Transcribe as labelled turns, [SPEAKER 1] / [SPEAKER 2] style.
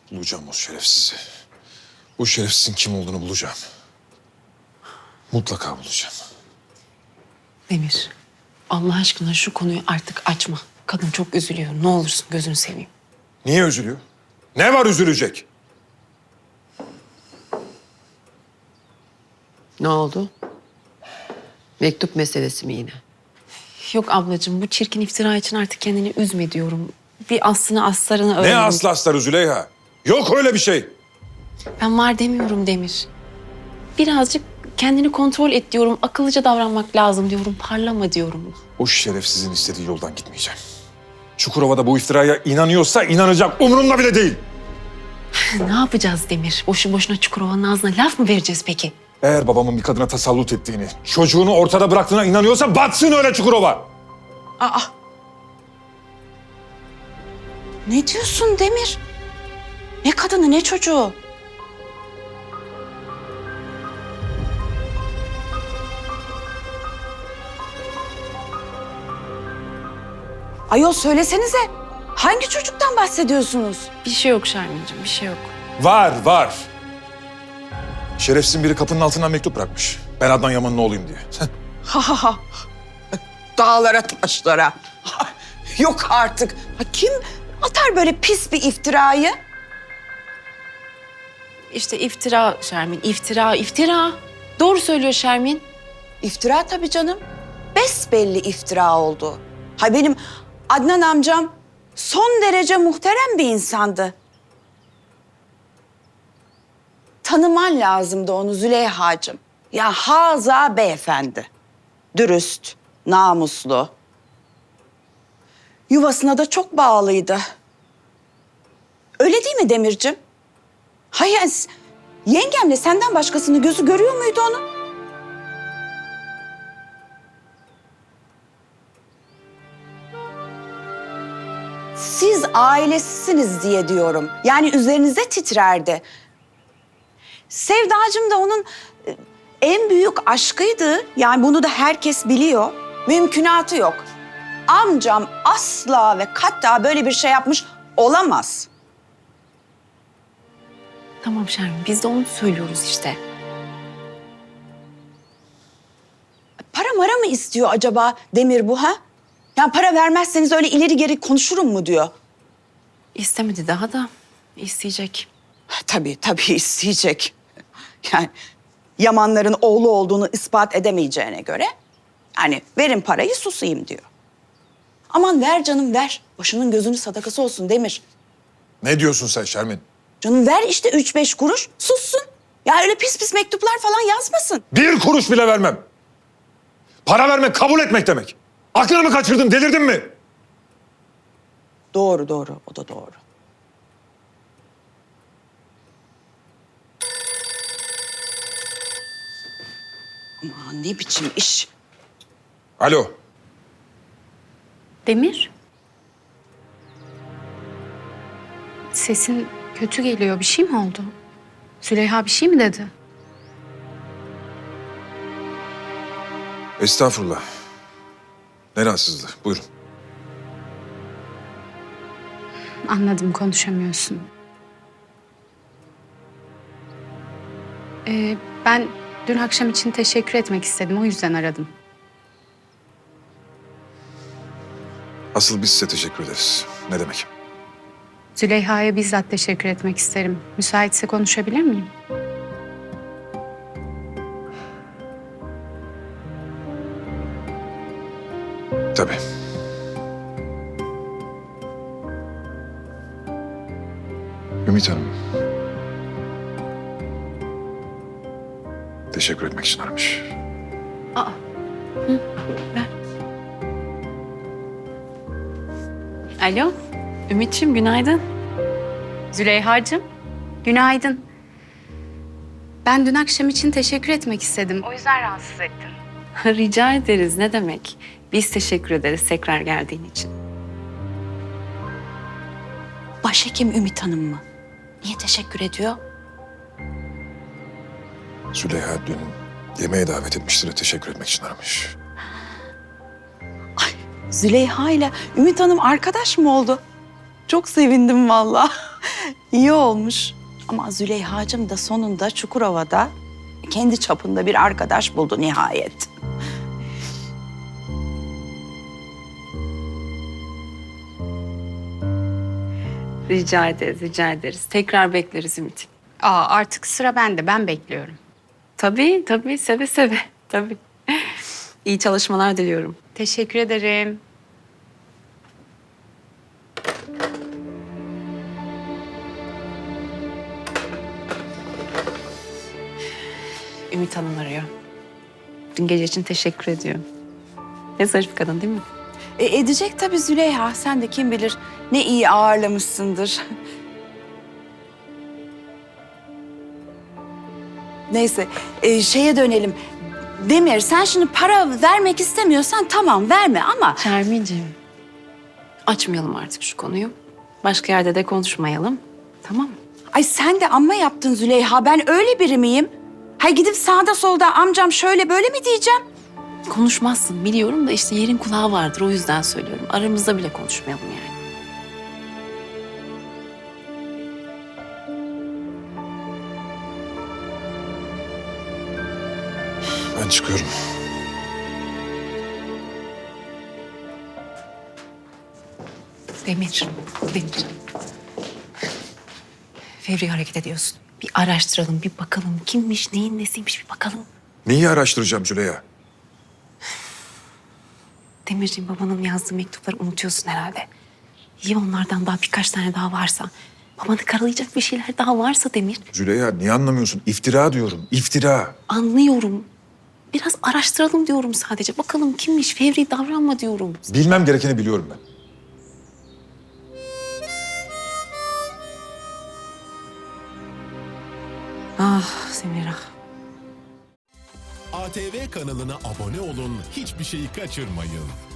[SPEAKER 1] Bulacağım o şerefsizi. O şerefsizin kim olduğunu bulacağım. Mutlaka bulacağım.
[SPEAKER 2] Demir, Allah aşkına şu konuyu artık açma. Kadın çok üzülüyor. Ne olursun gözünü seveyim.
[SPEAKER 1] Niye üzülüyor? Ne var üzülecek?
[SPEAKER 3] Ne oldu? Mektup meselesi mi yine?
[SPEAKER 2] Yok ablacığım, bu çirkin iftira için artık kendini üzme diyorum. Bir aslını astarını öğren.
[SPEAKER 1] Ne aslı astarı Züleyha? Yok öyle bir şey.
[SPEAKER 2] Ben var demiyorum Demir. Birazcık kendini kontrol et diyorum. Akıllıca davranmak lazım diyorum. Parlama diyorum.
[SPEAKER 1] O şerefsizin istediği yoldan gitmeyeceğim. Çukurova'da bu iftiraya inanıyorsa inanacak. Umurumda bile değil.
[SPEAKER 2] Ne yapacağız Demir? Boşu boşuna Çukurova'nın ağzına laf mı vereceğiz peki?
[SPEAKER 1] Eğer babamın bir kadına tasallut ettiğini, çocuğunu ortada bıraktığına inanıyorsa batsın öyle Çukurova.
[SPEAKER 4] Aa! Ne diyorsun Demir? Ne kadını ne çocuğu? Ayol söylesenize. Hangi çocuktan bahsediyorsunuz?
[SPEAKER 2] Bir şey yok Şermin'ciğim, bir şey yok.
[SPEAKER 1] Var. Şerefsizin biri kapının altından mektup bırakmış. Ben Adnan Yaman'ın oğluyum diye.
[SPEAKER 4] Ha ha ha. Dağlara taşlara. Yok artık. Ha, kim atar böyle pis bir iftirayı?
[SPEAKER 2] İşte iftira Şermin, iftira. Doğru söylüyor Şermin.
[SPEAKER 4] İftira tabii canım. Besbelli iftira oldu. Ha benim Adnan amcam son derece muhterem bir insandı. Tanıman lazımdı onu Züleyha'cığım. Ya haza beyefendi. Dürüst, namuslu. Yuvasına da çok bağlıydı. Öyle değil mi Demircim? Hayır, yengemle senden başkasını gözü görüyor muydu onun? Siz ailesisiniz diye diyorum. Yani üzerinize titrerdi. Sevdacığım da onun en büyük aşkıydı. Yani bunu da herkes biliyor. Mümkünatı yok. Amcam asla ve katta böyle bir şey yapmış olamaz.
[SPEAKER 2] Tamam Şermin, biz de onu söylüyoruz işte.
[SPEAKER 4] Para mara mı istiyor acaba Demir bu ha? Yani para vermezseniz öyle ileri geri konuşurum mu diyor.
[SPEAKER 2] İstemedi daha da isteyecek.
[SPEAKER 4] Tabii isteyecek. Yani Yamanların oğlu olduğunu ispat edemeyeceğine göre... ...hani verin parayı susayım diyor. Aman ver canım ver. Başının gözünün sadakası olsun Demir.
[SPEAKER 1] Ne diyorsun sen Şermin?
[SPEAKER 4] Canım ver işte 3-5 kuruş sussun. Ya öyle pis pis mektuplar falan yazmasın.
[SPEAKER 1] 1 kuruş bile vermem. Para vermek kabul etmek demek. Aklını mı kaçırdın, delirdin mi?
[SPEAKER 4] Doğru o da doğru. Aman ne biçim iş.
[SPEAKER 1] Alo.
[SPEAKER 5] Demir? Sesin kötü geliyor. Bir şey mi oldu? Züleyha bir şey mi dedi?
[SPEAKER 1] Estağfurullah. Ne rahatsızlığı? Buyurun.
[SPEAKER 5] Anladım, konuşamıyorsun. Ben dün akşam için teşekkür etmek istedim. O yüzden aradım.
[SPEAKER 1] Asıl biz size teşekkür ederiz. Ne demek?
[SPEAKER 5] Züleyha'ya bizzat teşekkür etmek isterim. Müsaitse konuşabilir miyim?
[SPEAKER 1] Tabii. Ümit Hanım. Teşekkür etmek için aramış.
[SPEAKER 2] Ver. Alo, Ümit'ciğim günaydın.
[SPEAKER 5] Züleyha'cığım, günaydın. Ben dün akşam için teşekkür etmek istedim. O yüzden rahatsız ettim.
[SPEAKER 2] Rica ederiz, ne demek? Biz teşekkür ederiz tekrar geldiğin için.
[SPEAKER 4] Başhekim Ümit Hanım mı? Niye teşekkür ediyor?
[SPEAKER 1] Züleyha dün yemeğe davet etmiştir de teşekkür etmek için aramış.
[SPEAKER 4] Züleyha ile Ümit Hanım arkadaş mı oldu? Çok sevindim vallahi. İyi olmuş. Ama Züleyha'cığım da sonunda Çukurova'da kendi çapında bir arkadaş buldu nihayet.
[SPEAKER 2] Rica ederiz, rica ederiz. Tekrar bekleriz Ümit.
[SPEAKER 5] Aa, artık sıra bende. Ben bekliyorum.
[SPEAKER 2] Tabii, tabii. Seve seve. Tabii. İyi çalışmalar diliyorum.
[SPEAKER 5] Teşekkür ederim.
[SPEAKER 2] Ümit Hanım arıyor. Dün gece için teşekkür ediyor. Ne zarif kadın değil mi?
[SPEAKER 4] Edecek tabii Züleyha. Sen de kim bilir ne iyi ağırlamışsındır. Neyse, şeye dönelim. Demir, sen şimdi para vermek istemiyorsan tamam verme ama...
[SPEAKER 2] Şermin'ciğim, açmayalım artık şu konuyu. Başka yerde de konuşmayalım. Tamam mı?
[SPEAKER 4] Ay sen de amma yaptın Züleyha. Ben öyle biri miyim? Hay gidip sağda solda amcam şöyle böyle mi diyeceğim?
[SPEAKER 2] Konuşmazsın biliyorum da işte yerin kulağı vardır. O yüzden söylüyorum. Aramızda bile konuşmayalım yani.
[SPEAKER 1] Ben çıkıyorum.
[SPEAKER 2] Demir. Fevri hareket ediyorsun. Bir araştıralım, bir bakalım. Kimmiş, neyin nesiymiş bir bakalım.
[SPEAKER 1] Neyi araştıracağım Züleyha?
[SPEAKER 2] Demirciğim, babanın yazdığı mektupları unutuyorsun herhalde. İyi onlardan daha birkaç tane daha varsa. Babanı karalayacak bir şeyler daha varsa Demir.
[SPEAKER 1] Züleyha niye anlamıyorsun? İftira diyorum, iftira.
[SPEAKER 2] Anlıyorum. Biraz araştıralım diyorum sadece. Bakalım kimmiş, fevri davranma diyorum.
[SPEAKER 1] Bilmem gerekeni biliyorum ben.
[SPEAKER 2] Ah Semira.
[SPEAKER 6] ATV kanalına abone olun, hiçbir şeyi kaçırmayın.